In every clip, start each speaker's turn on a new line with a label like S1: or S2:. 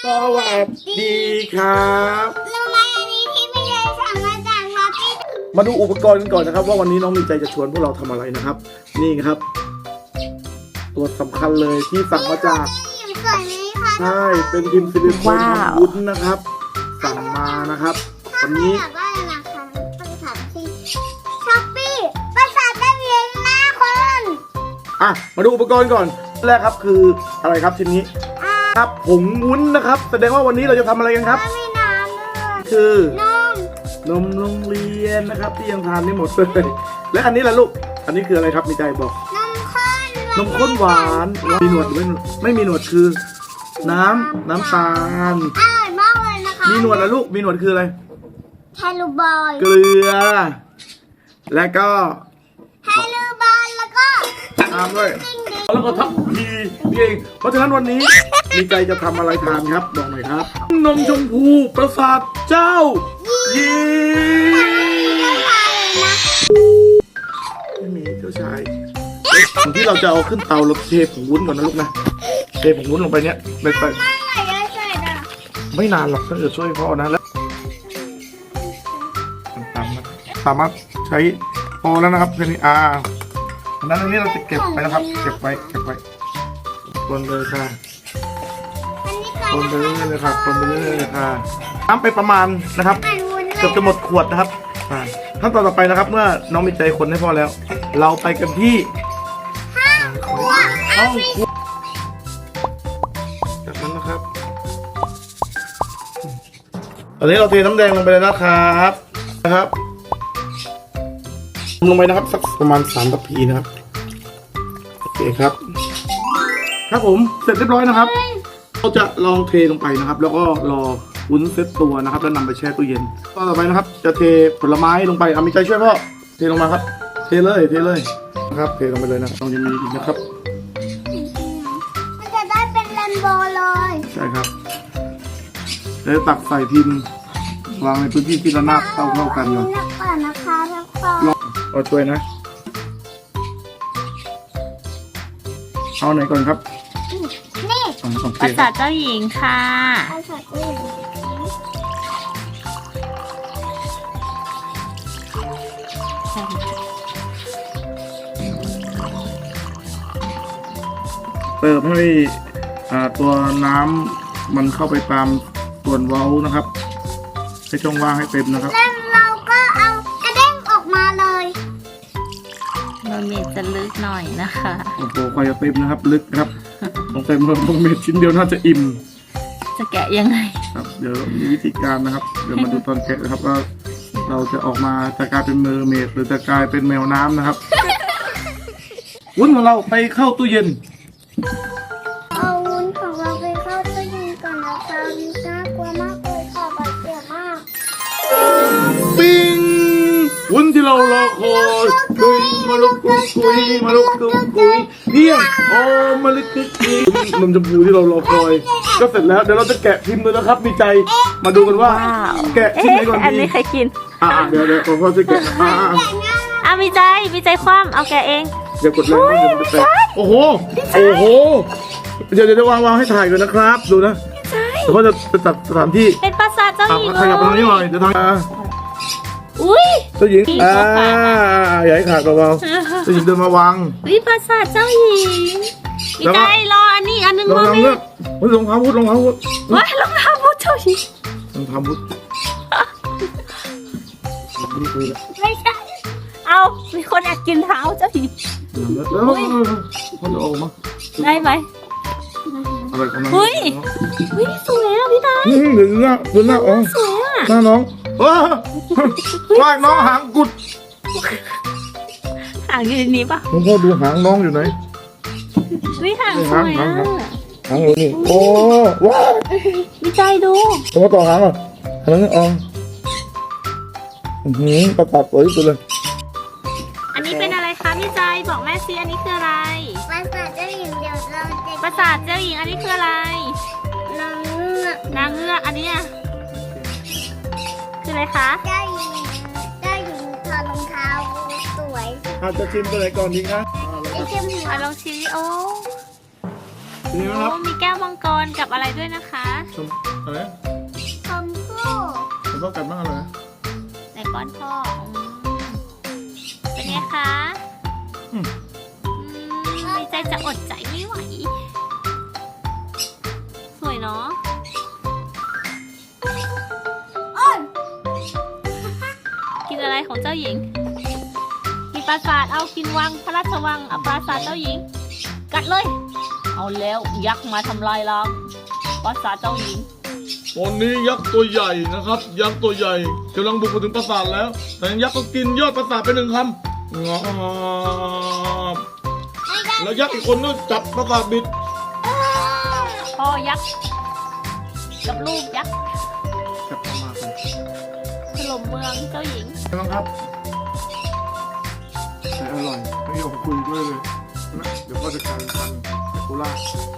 S1: วัสดีครับ
S2: รู้ไหมอันนี้ที่ไม่ได้สั่งมาจากช้อปปี้
S1: มาดูอุปกรณ์กันก่อนนะครับว่าวันนี้น้องมีใจจะชวนพวกเราทำอะไรนะครับ นี่ครับ ตัวสำคัญเลยที่สั่งมาจาก
S2: หยิบสวยไหมคะ
S1: ใช่เป็นพิมพ์ซิลิโคนทำวุ้นนะครับ สั่งมานะครับวันนี้
S2: แบบว่านะคะภาษาที่ช้อปปี้ภาษาได้เรียนนะคน
S1: มาดูอุปกรณ์ก่อนแรกครับคืออะไรครับชิ้นนี้ครับผงวุ้นนะครับ แสดงว่าวันนี้เราจะทำอะไรกันครับ
S2: ไม่น้ำด้วย
S1: คือน
S2: ม
S1: นมโรงเรียนนะครับ ที่ยังทานไม่หมดเลยและอันนี้ล่ะลูกอันนี้คืออะไรครับมีใจบอก
S2: นมข้น
S1: นมข้นหวานมีหนวดหรือไม่มีหนวดคือ น้ำตาล
S2: อร่อยมากเลยนะคะ
S1: มีหนวดแล้วลูกมีหนวดคืออะไร
S2: ไฮลูบอย
S1: เกลือ และก็
S2: ไฮลูบอยแล้วก็
S1: ตามด้วยแล้วก็ทับพีเองเพราะฉะนั้นวันนี้มีใจจะทำอะไรทานครับบอกหน่อยครับ นมชมพูประสาทเจ้ายีไม่มีเจ้าชายก่อนที่เราจะเอาขึ้นเตาเราเทผงวุ้นก่อนนะลูกนะเทผงวุ้นลงไปเนี้ยไป
S2: ไม่เยอะเลยนะ
S1: ไม่นานหรอกถ้าเกิดช่วยพ่อนะแล้วสามารถใช้พอแล้วนะครับแค่นี้นั้นอันนี้เราจะเก็บไปนะครับ เก็บไว้คนเลยค่ะ
S2: อันนี้
S1: คนไปเรื่อยๆเลยค่ะคนไปเรื่อยๆเลยค่ะน้ำไปประมาณนะครับ
S2: เป็นวุ้นเล
S1: เกือบ
S2: ย
S1: จะหมดขวดนะครับขั้นตอนต่อไปนะครับ เมื่อน้องมีใจคนให้พ่อแล้ว เราไปกันที่ห้องครัวจากนั้นนะครับตอนนี้เราเทน้ำแดงลงไปเลยนะครับลงไปนะครับสักประมาณ3 ทัพพีนะครับโอเคครับครับผมเสร็จเรียบร้อยนะครับเราจะลองเทลงไปนะครับ แล้วก็รอวุ้นเซตตัวนะครับแล้วนำไปแช่ตู้เย็นต่อไปนะครับ จะเทผลไม้ลงไปมีใจช่วยพ่อเทลงมาครับ เทเลยนะครับเทลงไปเลยนะต้องยังมีอีกนะครับ
S2: มันจะได้เป็นเรนโบว์เลย
S1: ใช่ครับแล้วตักใส่พิมพ์วางในพื้นที่ที่ระนาบเท่ากันเลย
S2: นักก่อนนะคะทุกคน
S1: เอาช่วยนะเอาไหนก่อนครับ
S2: นี่
S1: โอเค
S3: ปราสาทเจ้าหญิงค่ะ
S2: เอาใส่ตู้เย็น
S1: เติมให้ตัวน้ำมันเข้าไปตามส่วนเว้านะครับให้ช่องว่างให้เต็มนะครับ
S2: แล้วเราก็เอากระเด้งออกมาเลย
S3: เราเมดจะลึกหน่อยนะคะ
S1: โอ้โหควายจะเต็มนะครับ ลึกครับต้องเต็มลงเม็ดชิ้นเดียวน่าจะอิ่ม
S3: จะแกะยังไง
S1: ครับเดี๋ยวมีวิธีการนะครับ เดี๋ยวมาดูตอนแกะนะครับว่าเราจะออกมาจะกลายเป็นเมอร์เมดหรือจะกลายเป็นแมวน้ำนะครับ วุ้นของเราไปเข้าตู้เย็น
S2: เอาวุ้นของเราไปเข้าตู้เย็นก่อนนะคะน่ากลัวมากเลยค่ะบาดเจ็บมาก
S1: ปิ้งวุ้นที่เรารอคอยคุยมาลุกคุยมาลุกคุยเพียงโอ้มาลุกคุยนมชมพูที่เรารอคอย ก็เสร็จแล้วเดี๋ยวเราจะแกะพิมพ์เลยนะครับ มีใจมาดูกันว่า
S3: ว้าว
S1: แกะชิ้นไหนก่อน
S3: อัน
S1: ดี
S3: นี้ใครกิน
S1: เดี๋ยวขอพ่อช่วยแกะ
S3: มีใจคว่ำเอาแกะเอง
S1: อย่ากดแรงนะเดี๋ยวมันจะแตกโอ้โหเดี๋ยววางให้ถ่ายก่อนนะครับ ดูนะเดี๋ยวพ่อจะจัดสถานที่
S3: เป็นปราสาทเจ้าหญิง
S1: ขยับไปตรงนี้หน่อยเดี๋ยวทาง
S3: อุ้ย
S1: เจ้าหญิงอย่าให้ขาดเบาๆเจ้าหญิงเดินมาวาง
S3: วิปราสาทเจ้าหญิงมีใจรออันนี้อันนึง
S1: รอง
S3: รอ
S1: เท้า
S3: ไหม
S1: เลือกรองเท้าพุทธ
S3: ว้ายรองเท้าบูทเจ้าหญิง
S1: รองเท้าพุทธนี่คือ
S3: ไม่ใช่เอามีคนอยากกินเท้าเจ้าหญิง
S1: แล้วพ่อจะออกมา
S3: ได้ไหม
S1: อะไรของน้อง
S3: เฮ้ยสวยอ่ะพี่ตา
S1: หรือหน้าอ๋อ
S3: สวยอ่ะ
S1: หน้าน้องว่ายน้องหางกุด
S3: หางอยู่ในนี้ปะ
S1: น้องพ่อดูหางน้องอยู่ไหน
S3: วิหางสวยอ่ะ
S1: หางอยู่นี่โอ้ว้าว
S3: วิจัยดู
S1: ตัวต่อหางอ่ะหางนี่อ๋อประกาศสวยสุดเลย
S3: อันนี้เป็นอะไรคะพี่ใจบอกแม่ซิอันนี้คืออะไร
S2: ภาษาเจ้าหญิงเดี๋ยวเราจะ
S3: ปราสาทเจ้าหญิงอันนี้คืออะไร
S2: นางเงือก
S3: นางเงือกอันนี้อ่ะคืออะไรคะ
S2: เจ้าหญิงถอดรองเท้าสวย
S1: อาจจะชิมตัวไหนก่อนดีคะ
S2: ไอ้เจ้าหญิง
S3: ลองชิมดิโอ้
S1: นี่นะครับ
S3: โอ้มีแก้วมังกรกับอะไรด้วยนะคะ
S1: อะไรนะ
S2: คอมโก้
S1: ผมก็กัดมากเลยนะ
S3: ในก้อนพ่อเป็นไงคะ
S1: อืม
S3: ดีใจจะอดใจไม่ไหว สวยเนาะ
S2: อ้น
S3: กินอะไรของเจ้าหญิง กินปราสาทเอากินวังพระราชวังเอาปราสาทเจ้าหญิง กัดเลย เอาแล้วยักษ์มาทำลายล้างปราสาทเจ้าหญิง
S1: ตอนนี้ยักษ์ตัวใหญ่นะครับ ยักษ์ตัวใหญ่กำลังบุกมาถึงปราสาทแล้ว แต่ยักษ์ก็กินยอดปราสาทไปหนึ่งคำงอบแล้วยักษ์อีกคนก็จับปราสาทบิด
S3: พ่อยักษ์กับลูกยักษ์
S1: จับมาเลย
S3: ถล่มเมืองเจ้าหญิง
S1: ใช่ไหมครับแต่อร่อยไม่ยอมคุยด้วยเลยนะเดี๋ยวก็จะกลายเป็นพันธุ์แดกคูล่า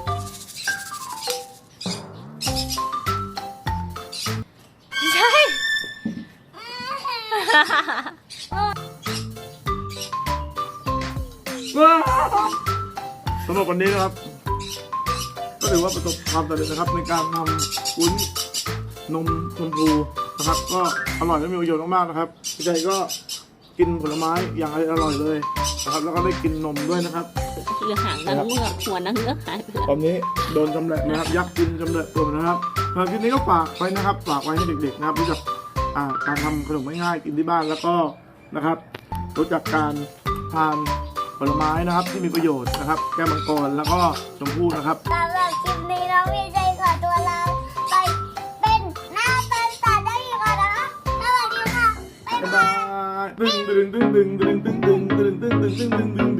S3: ใช่
S1: สำหรับวันนี้นะครับ ก็ถือว่าประสบความสำเร็จนะครับในการทำวุ้นนมชมพูนะครับ ก็อร่อยและมีประโยชน์มากๆนะครับพี่ใจก็กินผลไม้อย่างอร่อยเลยนะครับ แล้วก็ได้กินนมด้วยนะครับ
S3: เหลือหางนางเงือกหัวนางเงือกหายไปแล้ว
S1: ตอนนี้โดนจำแหละนะครับ ยักษ์กินจำแหละตัวมันนะครับสำหรับคลิปนี้ก็ฝากไว้นะครับ ฝากไว้ให้เด็กๆนะครับรู้จักการทำขนมง่ายๆกินที่บ้านแล้วก็นะครับ รู้จักการทานผลไม้นะครับที่มีประโยชน์นะครับ แก้วมังกรแล้วก็ชมพู่นะครับ
S2: สำหรับคลิปนี้น้องมีใจขอตัวลาไปเป็นหน้าเป็นตาได้อีกแล้วนะคะสวัสดีค่ะ บ๊าย
S1: บ๊าย
S2: บา
S1: บาย ยดึงดึงดึงดึงดึงดึงดึงดึงดึงดึงดึงดึง